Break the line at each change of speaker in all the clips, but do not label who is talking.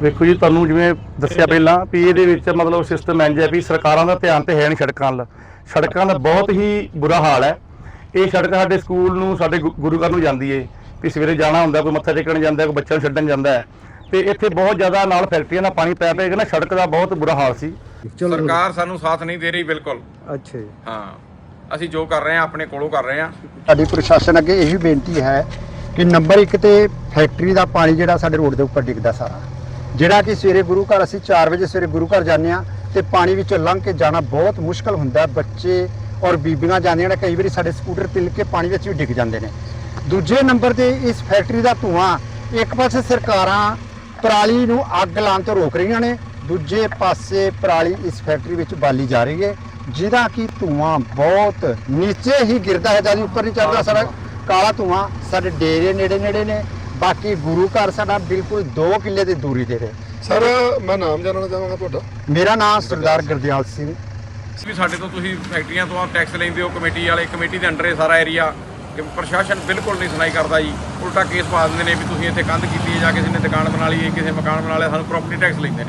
ਵੇਖੋ ਜੀ, ਤੁਹਾਨੂੰ ਜਿਵੇਂ ਦੱਸਿਆ ਪਹਿਲਾਂ ਵੀ ਇਹਦੇ ਵਿੱਚ ਮਤਲਬ ਸਿਸਟਮ ਇੰਝ ਹੈ ਵੀ ਸਰਕਾਰਾਂ ਦਾ ਧਿਆਨ ਤੇ ਹੈ ਨਹੀਂ ਸੜਕਾਂ ਵੱਲ। ਸੜਕਾਂ ਦਾ ਬਹੁਤ ਹੀ ਬੁਰਾ ਹਾਲ ਹੈ। ਇਹ ਸੜਕ ਸਾਡੇ ਸਕੂਲ ਨੂੰ, ਸਾਡੇ ਗੁਰੂ ਘਰ ਨੂੰ ਜਾਂਦੀ ਏ ਵੀ ਸਵੇਰੇ ਜਾਣਾ ਹੁੰਦਾ, ਕੋਈ ਮੱਥਾ ਟੇਕਣ ਜਾਂਦਾ, ਕੋਈ ਬੱਚਿਆਂ ਨੂੰ ਛੱਡਣ ਜਾਂਦਾ ਹੈ। ਤੇ ਇੱਥੇ ਬਹੁਤ ਜ਼ਿਆਦਾ ਨਾਲ ਫੈਕਟਰੀਆਂ ਦਾ ਪਾਣੀ ਪੈ ਕੇ ਨਾ ਸੜਕ ਦਾ ਬਹੁਤ ਬੁਰਾ ਹਾਲ ਸੀ।
ਸਰਕਾਰ ਸਾਨੂੰ ਸਾਥ ਨਹੀਂ ਦੇ ਰਹੀ ਬਿਲਕੁਲ।
ਅੱਛਾ ਜੀ।
ਹਾਂ, ਅਸੀਂ ਜੋ ਕਰ ਰਹੇ ਹਾਂ ਆਪਣੇ ਕੋਲੋਂ ਕਰ ਰਹੇ ਹਾਂ।
ਸਾਡੀ ਪ੍ਰਸ਼ਾਸਨ ਅੱਗੇ ਇਹੀ ਬੇਨਤੀ ਹੈ ਕਿ ਨੰਬਰ 1 ਤੇ ਫੈਕਟਰੀ ਦਾ ਪਾਣੀ ਜਿਹੜਾ ਸਾਡੇ ਰੋਡ ਦੇ ਉੱਪਰ ਡਿੱਗਦਾ ਸਾਰਾ, ਜਿਹੜਾ ਕਿ ਸਵੇਰੇ ਗੁਰੂ ਘਰ ਅਸੀਂ 4 ਵਜੇ ਸਵੇਰੇ ਗੁਰੂ ਘਰ ਜਾਂਦੇ ਆ ਤੇ ਪਾਣੀ ਵਿੱਚੋਂ ਲੰਘ ਕੇ ਜਾਣਾ ਬਹੁਤ ਮੁਸ਼ਕਲ ਹੁੰਦਾ। ਬੱਚੇ ਔਰ ਬੀਬੀਆਂ ਜਾਂਦੀਆਂ ਨੇ, ਕਈ ਵਾਰੀ ਸਾਡੇ ਸਕੂਟਰ ਤਿਲਕ ਕੇ ਪਾਣੀ ਵਿੱਚ ਵੀ ਡਿੱਗ ਜਾਂਦੇ ਨੇ। ਦੂਜੇ ਨੰਬਰ ਤੇ ਇਸ ਫੈਕਟਰੀ ਦਾ ਧੂਆਂ, ਇੱਕ ਪਾਸੇ ਸਰਕਾਰਾਂ ਪਰਾਲੀ ਨੂੰ ਅੱਗ ਲਾਉਣ ਤੋਂ ਰੋਕ ਰਹੀਆਂ ਨੇ, ਦੂਜੇ ਪਾਸੇ ਪਰਾਲੀ ਇਸ ਫੈਕਟਰੀ ਵਿੱਚ ਬਾਲੀ ਜਾ ਰਹੀ ਹੈ, ਜਿਹਦਾ ਕਿ ਧੂਆਂ ਬਹੁਤ ਨੀਚੇ ਹੀ ਗਿਰਦਾ ਹੈ, ਜਦ ਉੱਪਰ ਨਹੀਂ ਚੜਦਾ। ਸਾਡਾ ਕਾਲਾ ਧੂਆਂ ਸਾਡੇ ਡੇਰੇ ਨੇੜੇ ਨੇ। ਬਾਕੀ ਗੁਰੂ ਘਰ ਸਾਡਾ ਬਿਲਕੁਲ 2 ਕਿੱਲੇ ਦੀ ਦੂਰੀ ਤੇ ਹੈ।
ਸਰ, ਮੈਂ ਨਾਮ ਜਾਣਨਾ ਚਾਹਾਂਗਾ ਤੁਹਾਡਾ।
ਮੇਰਾ ਨਾਮ ਸਰਦਾਰ ਗੁਰਦਿਆਲ ਸਿੰਘ।
ਵੀ ਸਾਡੇ ਤੋਂ ਤੁਸੀਂ ਫੈਕਟਰੀਆਂ ਤੋਂ ਟੈਕਸ ਲੈਂਦੇ ਹੋ, ਕਮੇਟੀ ਵਾਲੇ, ਕਮੇਟੀ ਦੇ ਅੰਡਰ ਇਹ ਸਾਰਾ ਏਰੀਆ, ਕਿ ਪ੍ਰਸ਼ਾਸਨ ਬਿਲਕੁਲ ਨਹੀਂ ਸੁਣਾਈ ਕਰਦਾ ਜੀ। ਉਲਟਾ ਕੇਸ ਪਾ ਦਿੰਦੇ ਨੇ ਵੀ ਤੁਸੀਂ ਇੱਥੇ ਕੰਧ ਕੀਤੀ ਹੈ ਜਾਂ ਕਿਸੇ ਨੇ ਦੁਕਾਨ ਬਣਾ ਲਈ ਹੈ, ਕਿਸੇ ਮਕਾਨ ਬਣਾ ਲਿਆ, ਸਾਨੂੰ ਪ੍ਰਾਪਰਟੀ ਟੈਕਸ ਲੈਂਦੇ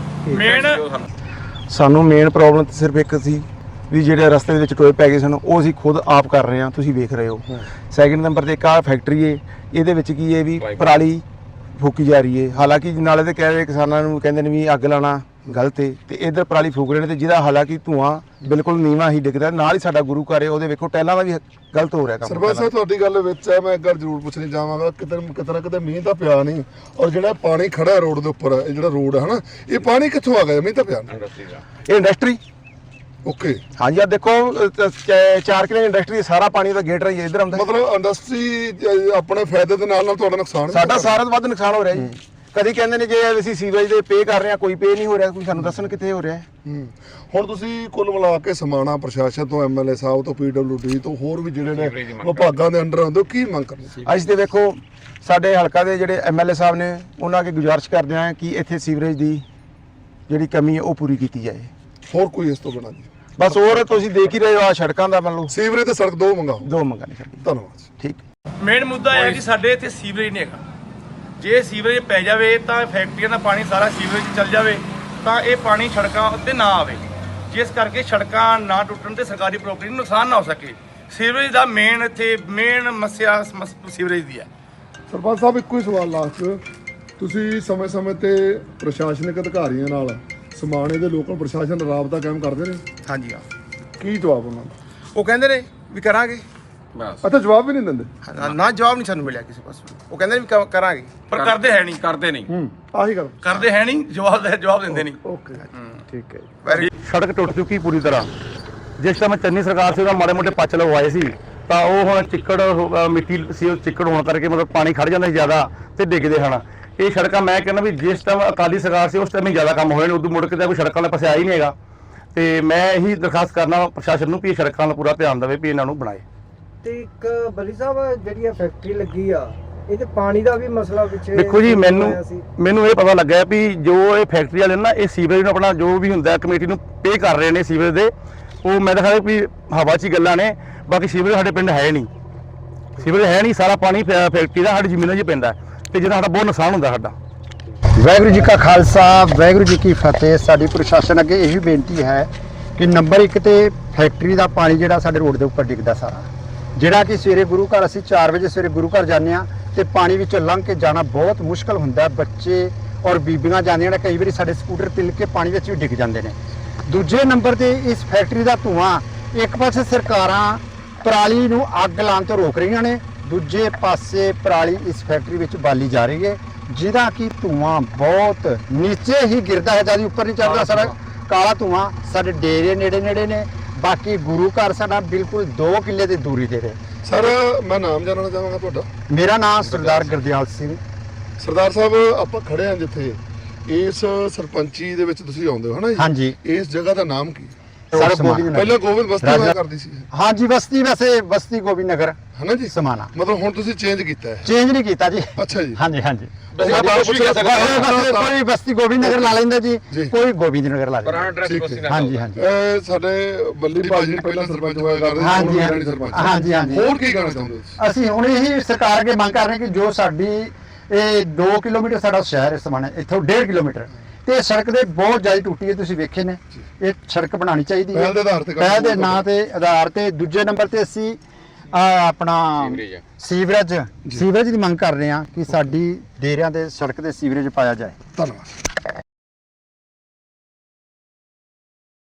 ਨੇ।
ਸਾਨੂੰ ਮੇਨ ਪ੍ਰੋਬਲਮ ਤਾਂ ਸਿਰਫ ਇੱਕ ਸੀ ਵੀ ਜਿਹੜੇ ਰਸਤੇ ਦੇ ਵਿੱਚ ਟੋਏ ਪੈ ਗਏ ਸਨ, ਉਹ ਅਸੀਂ ਖੁਦ ਆਪ ਕਰ ਰਹੇ ਹਾਂ, ਤੁਸੀਂ ਵੇਖ ਰਹੇ ਹੋ। ਸੈਕਿੰਡ ਨੰਬਰ ਤੇ ਇੱਕ ਆਹ ਫੈਕਟਰੀ ਏ, ਇਹਦੇ ਵਿੱਚ ਕੀ ਹੈ ਵੀ ਪਰਾਲੀ ਫੂਕੀ ਜਾ ਰਹੀ ਹੈ। ਹਾਲਾਂਕਿ ਨਾਲੇ ਤੇ ਕਹਿ ਰਹੇ ਕਿਸਾਨਾਂ ਨੂੰ, ਕਹਿੰਦੇ ਨੇ ਵੀ ਅੱਗ ਲਾਉਣਾ ਗਲਤ ਹੈ, ਤੇ ਇੱਧਰ ਪਰਾਲੀ ਫੂਕ ਰਹੇ ਨੇ, ਤੇ ਜਿਹਦਾ ਹਾਲਾਂਕਿ ਧੂਆਂ ਬਿਲਕੁਲ ਨੀਵਾਂ ਹੀ ਡਿੱਗਦਾ। ਨਾਲ ਹੀ ਸਾਡਾ ਗੁਰੂ ਘਰ ਹੈ, ਉਹਦੇ ਵੇਖੋ ਟੈਲਾਂ ਦਾ ਵੀ ਗਲਤ ਹੋ ਰਿਹਾ ਕੰਮ।
ਸਰਪੰਚ ਸਾਹਿਬ, ਤੁਹਾਡੀ ਗੱਲ ਵਿੱਚ ਹੈ, ਮੈਂ ਇੱਕ ਗੱਲ ਜ਼ਰੂਰ ਪੁੱਛਣੀ ਚਾਹਾਂਗਾ। ਕਿਤੇ ਨਾ ਕਿਤੇ ਮੀਂਹ ਤਾਂ ਪਿਆ ਨਹੀਂ, ਔਰ ਜਿਹੜਾ ਪਾਣੀ ਖੜਾ ਰੋਡ ਦੇ ਉੱਪਰ, ਇਹ ਜਿਹੜਾ ਰੋਡ ਹੈ ਨਾ, ਇਹ ਪਾਣੀ ਕਿੱਥੋਂ ਆ ਗਿਆ? ਮੀਂਹ ਤਾਂ ਪਿਆ ਨਹੀਂ।
ਇਹ ਇੰਡਸਟਰੀ,
ਓਕੇ,
ਹਾਂਜੀ, ਆ ਦੇਖੋ 4 ਕਿਲੇ ਇੰਡਸਟਰੀ, ਸਾਰਾ ਪਾਣੀ ਦਾ ਗੇਟ ਰਹੀ ਹੈ ਇੱਧਰ ਆਉਂਦਾ।
ਮਤਲਬ ਇੰਡਸਟਰੀ ਆਪਣੇ ਫਾਇਦੇ ਦੇ ਨਾਲ ਤੁਹਾਡਾ ਨੁਕਸਾਨ
ਸਾਡਾ ਸਾਰਾ ਤੋਂ ਵੱਧ ਨੁਕਸਾਨ ਹੋ ਰਿਹਾ ਜੀ। ਕਦੀ ਕਹਿੰਦੇ ਨੇ ਜੇ ਅਸੀਂ ਸੀਵਰੇਜ ਦੇ ਪੇ ਕਰ ਰਹੇ ਹਾਂ, ਕੋਈ ਪੇ ਨਹੀਂ ਹੋ ਰਿਹਾ, ਕੋਈ ਸਾਨੂੰ ਦੱਸਣ ਕਿੱਥੇ ਹੋ ਰਿਹਾ।
ਹੁਣ ਤੁਸੀਂ ਕੁੱਲ ਮਿਲਾ ਕੇ ਸਮਾਣਾ ਪ੍ਰਸ਼ਾਸਨ ਤੋਂ, ਐਮਐਲਏ ਸਾਹਿਬ ਤੋਂ, ਪੀਡਬਲਿਊਡੀ ਤੋਂ, ਹੋਰ ਵੀ ਜਿਹੜੇ ਨੇ ਵਿਭਾਗਾਂ ਦੇ ਅੰਡਰ ਆਉਂਦੇ, ਕੀ ਮੰਗ ਕਰਦੇ?
ਅੱਜ ਤੇ ਵੇਖੋ ਸਾਡੇ ਹਲਕਾ ਦੇ ਜਿਹੜੇ ਐਮਐਲਏ ਸਾਹਿਬ ਨੇ, ਉਹਨਾਂ ਅੱਗੇ ਗੁਜ਼ਾਰਿਸ਼ ਕਰਦੇ ਹਾਂ ਕਿ ਇੱਥੇ ਸੀਵਰੇਜ ਦੀ ਜਿਹੜੀ ਕਮੀ ਹੈ ਉਹ ਪੂਰੀ ਕੀਤੀ ਜਾਏ।
ਹੋਰ ਕੋਈ ਇਸ ਤੋਂ ਬਿਨਾਂ ਜੀ?
ਬਸ ਹੋਰ ਤੁਸੀਂ ਦੇਖ ਹੀ ਰਹੇ ਹੋ, ਆ ਸੜਕਾਂ ਦਾ ਮੰਨ ਲਓ,
ਸੀਵਰੇਜ ਤੇ ਸੜਕ ਦੋ ਮੰਗਾਓ।
2 ਮੰਗਾਂ ਨੇ ਸਾਡੀ।
ਧੰਨਵਾਦ।
ਠੀਕ।
ਮੇਨ ਮੁੱਦਾ ਇਹ ਹੈ ਕਿ ਸਾਡੇ ਇੱਥੇ ਸੀਵਰੇਜ ਨਹੀਂ ਹੈਗਾ। ਜੇ ਸੀਵਰੇਜ ਪੈ ਜਾਵੇ ਤਾਂ ਫੈਕਟਰੀਆਂ ਦਾ ਪਾਣੀ ਸਾਰਾ ਸੀਵਰੇਜ 'ਚ ਚੱਲ ਜਾਵੇ, ਤਾਂ ਇਹ ਪਾਣੀ ਸੜਕਾਂ ਉੱਤੇ ਨਾ ਆਵੇ, ਜਿਸ ਕਰਕੇ ਸੜਕਾਂ ਨਾ ਟੁੱਟਣ ਤੇ ਸਰਕਾਰੀ ਪ੍ਰਾਪਰਟੀ ਨੂੰ ਨੁਕਸਾਨ ਨਾ ਹੋ ਸਕੇ। ਸੀਵਰੇਜ ਦਾ ਇੱਥੇ ਮੇਨ ਸਮੱਸਿਆ ਸੀਵਰੇਜ ਦੀ ਹੈ।
ਸਰਪੰਚ ਸਾਹਿਬ, ਇੱਕੋ ਹੀ ਸਵਾਲ ਲਾਸਟ, ਤੁਸੀਂ ਸਮੇਂ-ਸਮੇਂ ਤੇ ਪ੍ਰਸ਼ਾਸਨਿਕ ਅਧਿਕਾਰੀਆਂ ਨਾਲ ਸਮਾਣੇ ਦੇ ਲੋਕਲ ਪ੍ਰਸ਼ਾਸਨ ਰਾਬਤਾ ਕਾਇਮ ਕਰਦੇ ਨੇ?
ਹਾਂਜੀ, ਹਾਂ।
ਕੀ ਜਵਾਬ ਉਹਨਾਂ ਦਾ?
ਉਹ ਕਹਿੰਦੇ ਨੇ ਵੀ ਕਰਾਂਗੇ,
ਅੱਛਾ, ਜਵਾਬ ਵੀ ਨਹੀਂ ਦਿੰਦੇ?
ਨਾ ਜਵਾਬ ਨਹੀਂ ਸਾਨੂੰ ਮਿਲਿਆ ਕਿਸੇ ਪਾਸੋਂ। ਉਹ ਕਹਿੰਦੇ ਵੀ ਕਰਾਂਗੇ,
ਪਰ ਕਰਦੇ ਹੈ ਨਹੀਂ।
ਆਹੀ ਗੱਲ
ਕਰਦੇ ਹੈ ਨਹੀਂ, ਜਵਾਬ ਦਿੰਦੇ ਨਹੀਂ।
ਓਕੇ, ਠੀਕ ਹੈ।
ਸੜਕ ਟੁੱਟ ਚੁੱਕੀ ਪੂਰੀ ਤਰ੍ਹਾਂ। ਜਿਸ ਟਾਈਮ ਚੰਨੀ ਸਰਕਾਰ ਸੀ, ਉਹਦਾ ਮਾੜੇ ਮੋਟੇ ਪੱਚ ਲਗਵਾਏ ਸੀ, ਤਾਂ ਉਹ ਹੁਣ ਚਿੱਕੜ ਮਿੱਟੀ ਸੀ, ਉਹ ਚਿੱਕੜ ਹੋਣ ਕਰਕੇ ਮਤਲਬ ਪਾਣੀ ਖੜ ਜਾਂਦਾ ਸੀ ਜ਼ਿਆਦਾ ਤੇ ਡਿੱਗਦੇ ਹਨ। ਇਹ ਸੜਕਾਂ ਮੈਂ ਕਹਿੰਦਾ ਵੀ ਜਿਸ ਟਾਈਮ ਅਕਾਲੀ ਸਰਕਾਰ ਸੀ ਉਸ ਟਾਈਮ ਹੀ ਜ਼ਿਆਦਾ ਕੰਮ ਹੋਏ ਨੇ, ਉਦੋਂ ਮੁੜ ਕੇ ਤਾਂ ਕੋਈ ਸੜਕਾਂ ਵਾਲੇ ਪਾਸੇ ਆਇਆ ਹੀ ਨਹੀਂ ਹੈਗਾ। ਤੇ ਮੈਂ ਇਹੀ ਦਰਖਾਸਤ ਕਰਨਾ ਪ੍ਰਸ਼ਾਸਨ ਨੂੰ ਵੀ ਇਹ ਸੜਕਾਂ ਦਾ ਪੂਰਾ ਧਿਆਨ ਦੇਵੇ, ਵੀ ਇਹਨਾਂ ਨੂੰ ਬਣਾਏ।
ਤੇ ਇੱਕ ਬੱਲੀ ਸਾਹਿਬ, ਜਿਹੜੀ ਫੈਕਟਰੀ ਲੱਗੀ ਆ, ਇਹ ਤੇ ਪਾਣੀ ਦਾ ਵੀ ਮਸਲਾ ਵਿੱਚ
ਦੇਖੋ ਜੀ, ਮੈਨੂੰ ਇਹ ਪਤਾ ਲੱਗਾ ਵੀ ਜੋ ਇਹ ਫੈਕਟਰੀ ਵਾਲੇ ਨਾ, ਇਹ ਸੀਵਰੇਜ ਨੂੰ ਆਪਣਾ ਜੋ ਵੀ ਹੁੰਦਾ ਕਮੇਟੀ ਨੂੰ ਪੇ ਕਰ ਰਹੇ ਨੇ ਸੀਵਰੇਜ ਦੇ, ਉਹ ਮੈਂ ਦਿਖਾਇਆ ਵੀ ਹਵਾ 'ਚ ਹੀ ਗੱਲਾਂ ਨੇ। ਬਾਕੀ ਸੀਵਰੇਜ ਸਾਡੇ ਪਿੰਡ ਹੈ ਨਹੀਂ, ਸੀਵਰੇਜ ਹੈ ਨਹੀਂ, ਸਾਰਾ ਪਾਣੀ ਫੈਕਟਰੀ ਦਾ ਸਾਡੀ ਜ਼ਮੀਨਾਂ 'ਚ ਪੈਂਦਾ, ਤੇ ਜਿਹਦਾ ਸਾਡਾ ਬਹੁਤ ਨੁਕਸਾਨ ਹੁੰਦਾ ਸਾਡਾ।
ਵਾਹਿਗੁਰੂ ਜੀ ਕਾ ਖਾਲਸਾ, ਵਾਹਿਗੁਰੂ ਜੀ ਕੀ ਫਤਿਹ। ਸਾਡੀ ਪ੍ਰਸ਼ਾਸਨ ਅੱਗੇ ਇਹੀ ਬੇਨਤੀ ਹੈ ਕਿ ਨੰਬਰ 1 ਤੇ ਫੈਕਟਰੀ ਦਾ ਪਾਣੀ ਜਿਹੜਾ ਸਾਡੇ ਰੋਡ ਦੇ ਉੱਪਰ ਡਿੱਗਦਾ ਸਾਰਾ, ਜਿਹੜਾ ਕਿ ਸਵੇਰੇ ਗੁਰੂ ਘਰ ਅਸੀਂ 4 ਵਜੇ ਸਵੇਰੇ ਗੁਰੂ ਘਰ ਜਾਂਦੇ ਆ ਤੇ ਪਾਣੀ ਵਿੱਚੋਂ ਲੰਘ ਕੇ ਜਾਣਾ ਬਹੁਤ ਮੁਸ਼ਕਲ ਹੁੰਦਾ। ਬੱਚੇ ਔਰ ਬੀਬੀਆਂ ਜਾਂਦੀਆਂ ਨੇ, ਕਈ ਵਾਰੀ ਸਾਡੇ ਸਕੂਟਰ ਤਿਲਕ ਕੇ ਪਾਣੀ ਵਿੱਚ ਵੀ ਡਿੱਗ ਜਾਂਦੇ ਨੇ। ਦੂਜੇ ਨੰਬਰ ਤੇ ਇਸ ਫੈਕਟਰੀ ਦਾ ਧੂਆਂ, ਇੱਕ ਪਾਸੇ ਸਰਕਾਰਾਂ ਪਰਾਲੀ ਨੂੰ ਅੱਗ ਲਾਉਣ ਤੋਂ ਰੋਕ ਰਹੀਆਂ ਨੇ, ਦੂਜੇ ਪਾਸੇ ਪਰਾਲੀ ਇਸ ਫੈਕਟਰੀ ਵਿੱਚ ਬਾਲੀ ਜਾ ਰਹੀ ਹੈ, ਜਿਹਦਾ ਕਿ ਧੂਆਂ ਬਹੁਤ ਨੀਚੇ ਹੀ ਗਿਰਦਾ ਹੈ, ਜਦ ਉੱਪਰ ਨਹੀਂ ਚੜਦਾ। ਸਾਡਾ ਕਾਲਾ ਧੂਆਂ ਸਾਡੇ ਡੇਰੇ ਨੇੜੇ ਨੇ। ਬਾਕੀ ਗੁਰੂ ਘਰ ਸਾਡਾ ਬਿਲਕੁਲ 2 ਕਿੱਲੇ ਦੀ ਦੂਰੀ ਤੇ ਹੈ।
ਸਰ, ਮੈਂ ਨਾਮ ਜਾਣਨਾ ਚਾਹਾਂਗਾ ਤੁਹਾਡਾ।
ਮੇਰਾ ਨਾਮ ਸਰਦਾਰ ਗੁਰਦਿਆਲ ਸਿੰਘ।
ਸਰਦਾਰ ਸਾਹਿਬ, ਆਪਾਂ ਖੜੇ ਹਾਂ ਜਿੱਥੇ, ਇਸ ਸਰਪੰਚੀ ਦੇ ਵਿੱਚ ਤੁਸੀਂ ਆਉਂਦੇ ਹੋ, ਹਨਾ ਜੀ?
ਹਾਂਜੀ।
ਇਸ ਜਗ੍ਹਾ ਦਾ ਨਾਮ ਕੀ?
ਪਹਿਲਾਂ
ਗੋਬਿੰਦ ਬਸਤੀ ਹੋਇਆ ਕਰਦੀ ਸੀ।
ਹਾਂਜੀ, ਬਸਤੀ, ਵੈਸੇ ਬਸਤੀ ਗੋਬਿੰਦ ਨਗਰ,
ਹਨਾ ਜੀ?
ਸਮਾਣਾ।
ਮਤਲਬ ਹੁਣ ਤੁਸੀਂ ਚੇਂਜ ਕੀਤਾ ਹੈ?
ਚੇਂਜ ਨਹੀਂ ਕੀਤਾ ਜੀ।
ਅੱਛਾ ਜੀ।
ਹਾਂਜੀ।
ਕੋਈ
ਕੋਈ ਬਸਤੀ ਗੋਬਿੰਦ ਨਗਰ ਲਾ ਲੈਂਦਾ ਜੀ, ਕੋਈ ਗੋਬਿੰਦ ਨਗਰ ਲਾ ਲੈਂਦਾ। ਹਾਂਜੀ।
ਸਾਡੇ ਬੱਲੀ ਭਾਜੀ ਪਹਿਲਾਂ ਸਰਪੰਚ ਹੋਇਆ ਕਰਦੇ ਸੀ।
ਹਾਂਜੀ।
ਹੋਰ ਕੀ ਕਹਿਣਾ ਚਾਹੁੰਦੇ ਹੋ?
ਅਸੀਂ ਹੁਣ ਇਹੀ ਸਰਕਾਰ ਅੱਗੇ ਮੰਗ ਕਰ ਰਹੇ ਕਿ ਜੋ ਸਾਡੀ ਇਹ 2 ਕਿਲੋਮੀਟਰ ਸਾਡਾ ਸ਼ਹਿਰ ਇਸ ਸਮਾਨ ਇੱਥੋਂ 1.5 ਕਿਲੋਮੀਟਰ ਤੇ ਸੜਕ ਦੇ ਬਹੁਤ ਜ਼ਿਆਦਾ ਟੁੱਟੀ ਹੈ, ਤੁਸੀਂ ਵੇਖੇ ਨੇ। ਇਹ ਸੜਕ ਬਣਾਉਣੀ ਚਾਹੀਦੀ ਹੈ
ਪਹਿਲ ਦੇ ਆਧਾਰ ਤੇ ਕੰਮ
ਪਹਿਲ ਦੇ
ਕਰਨਾ
ਨਾਂ ਤੇ ਆਧਾਰ ਤੇ। ਦੂਜੇ ਨੰਬਰ ਤੇ ਅਸੀਂ ਆਪਣਾ ਸੀਵਰੇਜ ਦੀ ਮੰਗ ਕਰ ਰਹੇ ਹਾਂ ਕਿ ਸਾਡੀ ਡੇਰਿਆਂ ਦੇ ਸੜਕ ਦੇ ਸੀਵਰੇਜ ਪਾਇਆ ਜਾਏ।
ਧੰਨਵਾਦ।